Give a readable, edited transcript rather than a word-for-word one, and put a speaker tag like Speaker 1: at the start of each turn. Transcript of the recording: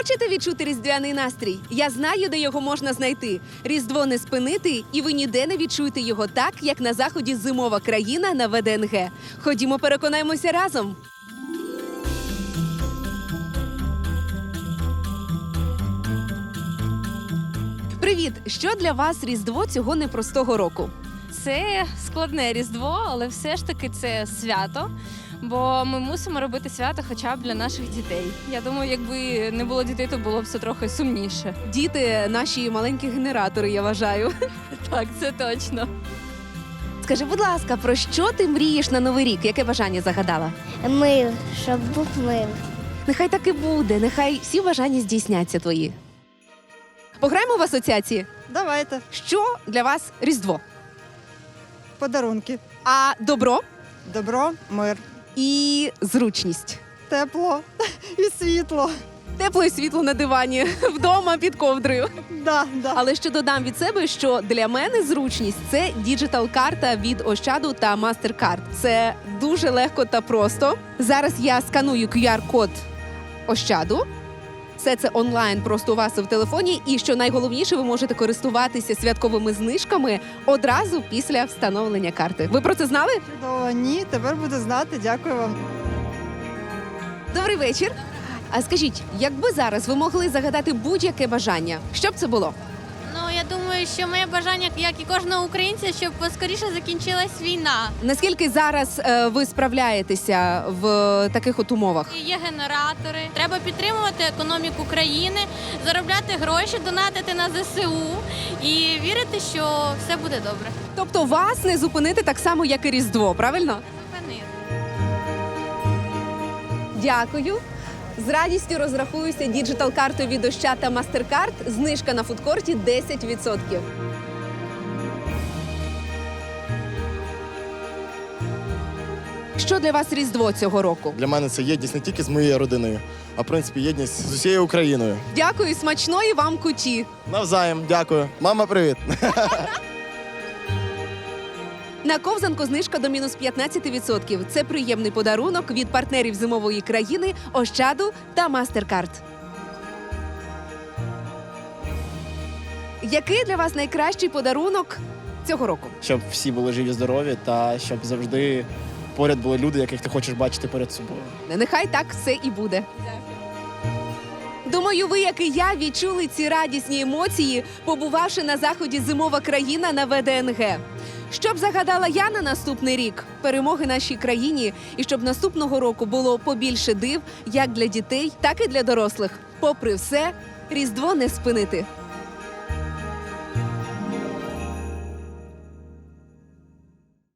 Speaker 1: Хочете відчути різдвяний настрій? Я знаю, де його можна знайти. Різдво не спинити, і ви ніде не відчуєте його так, як на заході «Зимова країна» на ВДНГ. Ходімо, переконаємося разом. Привіт! Що для вас Різдво цього непростого року?
Speaker 2: Це складне Різдво, але все ж таки це свято, бо ми мусимо робити свято хоча б для наших дітей. Я думаю, якби не було дітей, то було б все трохи сумніше.
Speaker 1: Діти – наші маленькі генератори, я вважаю.
Speaker 2: Так, це точно.
Speaker 1: Скажи, будь ласка, про що ти мрієш на Новий рік? Яке бажання загадала?
Speaker 3: Мир, щоб був мир.
Speaker 1: Нехай так і буде, нехай всі бажання здійсняться твої. Пограємо в асоціації.
Speaker 4: Давайте.
Speaker 1: Що для вас Різдво?
Speaker 4: Подарунки.
Speaker 1: А добро
Speaker 4: Добро, мир,
Speaker 1: і зручність.
Speaker 4: тепло і світло.
Speaker 1: Тепло і світло на дивані, вдома під ковдрою.
Speaker 4: Да.
Speaker 1: Але ще додам від себе, що для мене зручність – це діджитал-карта від Ощаду та MasterCard. Це дуже легко та просто. Зараз я сканую QR-код Ощаду. Все це онлайн просто у вас в телефоні. І що найголовніше, ви можете користуватися святковими знижками одразу після встановлення карти. Ви про це знали?
Speaker 4: Чудово. Ні, тепер буду знати. Дякую вам.
Speaker 1: Добрий вечір. А скажіть, якби зараз ви могли загадати будь-яке бажання, що б це було?
Speaker 5: Ну, я думаю, що моє бажання, як і кожного українця, щоб поскоріше закінчилась війна.
Speaker 1: Наскільки зараз ви справляєтеся в таких от умовах?
Speaker 5: Є генератори. Треба підтримувати економіку країни, заробляти гроші, донатити на ЗСУ і вірити, що все буде добре.
Speaker 1: Тобто вас не зупинити так само, як і Різдво, правильно?
Speaker 5: Зупинити.
Speaker 1: Дякую. З радістю розрахуюся діджитал-картою від Ощад та MasterCard. Знижка на фудкорті 10%. Що для вас Різдво цього року?
Speaker 6: Для мене це єдність не тільки з моєю родиною, а в принципі єдність з усією Україною.
Speaker 1: Дякую, смачної вам куті.
Speaker 6: Навзаєм, дякую. Мама, привіт.
Speaker 1: На ковзанку знижка до мінус 15%. Це приємний подарунок від партнерів зимової країни Ощаду та MasterCard. Який для вас найкращий подарунок цього року?
Speaker 7: Щоб всі були живі, здорові та щоб завжди поряд були люди, яких ти хочеш бачити перед собою.
Speaker 1: Нехай так все і буде. Думаю, ви, як і я, відчули ці радісні емоції, побувавши на заході «Зимова країна» на ВДНГ. Що б загадала я на наступний рік? Перемоги нашій країні, і щоб наступного року було побільше див як для дітей, так і для дорослих. Попри все, Різдво не спинити.